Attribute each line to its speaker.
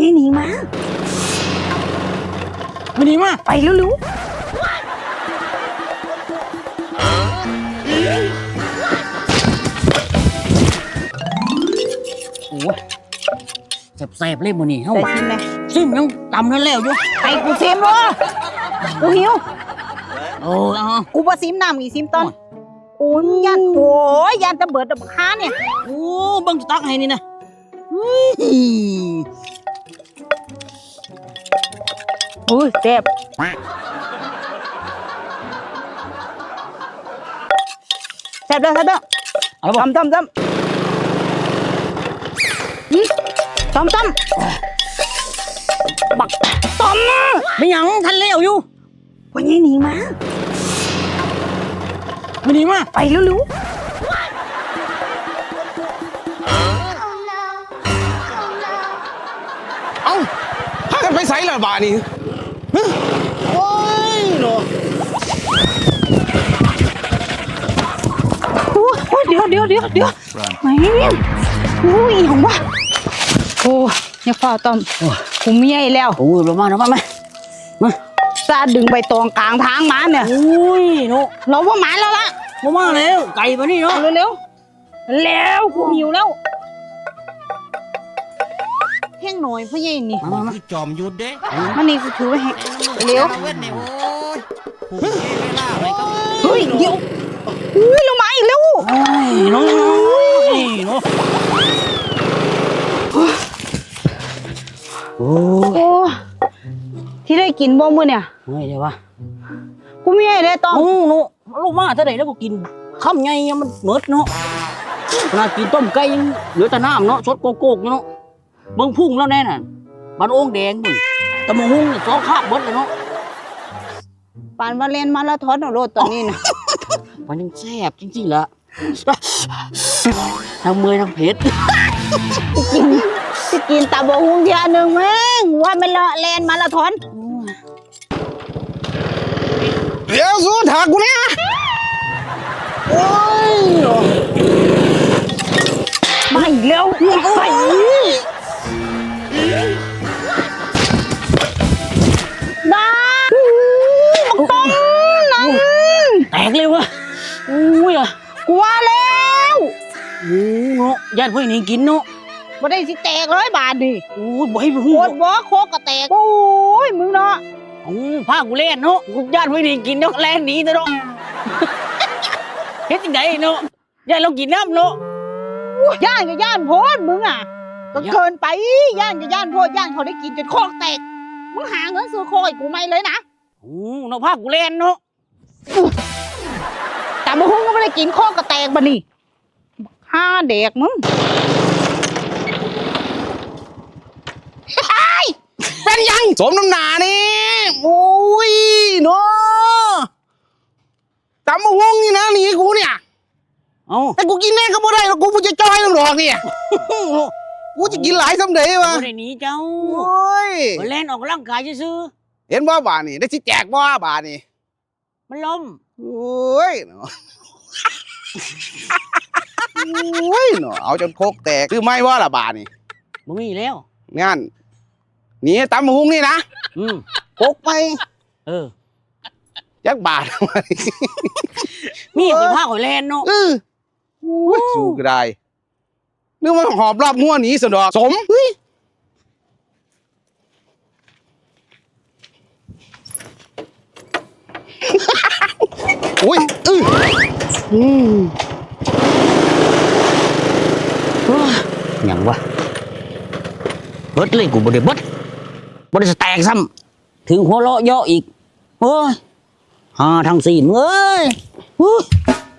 Speaker 1: หนีมา
Speaker 2: ไม่หนีมา
Speaker 1: ไปเร็ว
Speaker 2: โอ้แสบๆเลยมื้อนี้เฮา
Speaker 1: ใส่ซิมเลย
Speaker 2: ซิมยังตำนั่นแล้วอยู่
Speaker 1: ไปกูซิมวะกูหิวกูบ่ซิมน้ำอีซิมตอนโอ้ยยันโอ้ยยันจะเบิดดับค้าเนี่ย
Speaker 2: โอ้บังจะตักให้นี่นะ
Speaker 1: โอ้ยแซ่บแซ่บเด้อ
Speaker 2: เอาละบ่
Speaker 1: ต้มต้มบักต้ม
Speaker 2: ไม่หยังทันแล้วอยู่
Speaker 1: วันนี้หนีมา
Speaker 2: ไม่หนีมา
Speaker 1: ไปเร็ว
Speaker 3: เอ้าพากันไปไสล่ะบานี่โอ้ยเนาะ
Speaker 1: โอ้ยเดี๋ยวไม่อุ้ยของวะโอ้ยอย่าฝ่าต้มกูเมียอีแล้ว
Speaker 2: โอ้ยมา
Speaker 1: ซาดึงใบตองกลางทางมาเนี่ย
Speaker 2: โอ้ยเนาะ
Speaker 1: เราว่าหมาแล้วล่ะ
Speaker 2: มาแล้วไก่มานี่เนาะ
Speaker 1: เร็วกูหิวแล้วแห้งหน่อยพ่อใหญ่นี่
Speaker 2: มา
Speaker 3: จอมยุดเด้
Speaker 1: มันนี่กูถือไว้ให้เร็วเฮ้ยเดี๋ยวอุ้ยลงมาอีกแล้ว
Speaker 2: เนาะ
Speaker 1: โอ้ที่ได้กินบ่มื้อเนี่ย
Speaker 2: เฮ้ยเดี๋ยววะ
Speaker 1: กูมีไอ้ได้ต้อง
Speaker 2: เนาะลูกมาเท่าไหร่แล้วก็กินคำไงมันเหมิดเนาะขนาดกินต้มไก่ยังเหลือแต่น้ำเนาะสดโกกเนาะเบิ่งพุ่งแล้วแน่น่ะบ้านโอ่งแดงมึงตะมงสองคาบเบิดเลยเนาะ
Speaker 1: ปานว่าเล่นมาราธอนเอาโลดตอนนี้นะ
Speaker 2: มันยังแซ่บจริงๆละทั้งเมื่อยทั้งเผ็ด
Speaker 1: กินตาบงเทียนึงแม่งว่ามันเล่นมาราธอน
Speaker 3: เดี๋ยวสู้ถากูเนี่ยโอ้ย
Speaker 1: มาอีกแล้วไปบ้าต้องนั่น
Speaker 2: แตกเลยวะอุ้ยอ่ะ
Speaker 1: กลัวแล้ว
Speaker 2: เนาะญาติเพื่อนนี่กินเนาะ
Speaker 1: บ่ได้สิแตกเลยบาดดิ
Speaker 2: โอ้ยบ่ให้พู
Speaker 1: ดบ่โคกก็แตกโอ้ยมึงเนาะ
Speaker 2: พากูเล่นเนาะกูญาติเพื่อนนี่กินเนาะแล่นหนีเนาะเฮ็ดจังไดเนาะญาติเรากินน้ำเนาะ
Speaker 1: ย่านกับย่านโพดมึงอ่ะก็เกินไปย่านกับย่านโพดย่านเขาได้กินจนโคกแตกมึงหาเงินซื้อโคให้กูไม่เลยนะ
Speaker 2: เนาะพากูเล่นเนาะ
Speaker 1: แต่มึงก็ไม่ได้กินโคกก็แตกบ่นี่ห้าเด็กมึง
Speaker 3: เป็นยังสมน้ำหนานี่โอ้ยเนาะตำมะฮวงนี่นะหนีกูเนี่ยแต่กูกินแน่ก็ไม่ได้หรอกกูจะจอยน้ำหรอกเนี่ยกูจะกินหลายสำเร็จวะ
Speaker 2: ไม่ได้หนีเจ้า
Speaker 3: โอ้ย
Speaker 2: เล่นออกร่างกายซื้อ
Speaker 3: เห็นว่าบานี่ได้สิแจกว่าบานี่
Speaker 2: มันล้ม
Speaker 3: โอ้ยเนาะโอ้ยเนาะเอาจนโคกแตกคือไม่ว่าละบานี่
Speaker 2: มึงมีแล้ว
Speaker 3: งั้นนี่ตำมะฮวงนี่นะโคกไปยักบาท
Speaker 2: มีไปผ้าหอยแลนเนาะ
Speaker 3: สู้ก็ได้นึกว่าหอบรอบงัวหนีสนดอกสมอุ้ย
Speaker 2: อย่างวะเบิดเลยกูบ่ได้เบิดแตกซ้ำถึงหัวเราะเยาะอีกโอ้ยหาทางสี่เอ้ย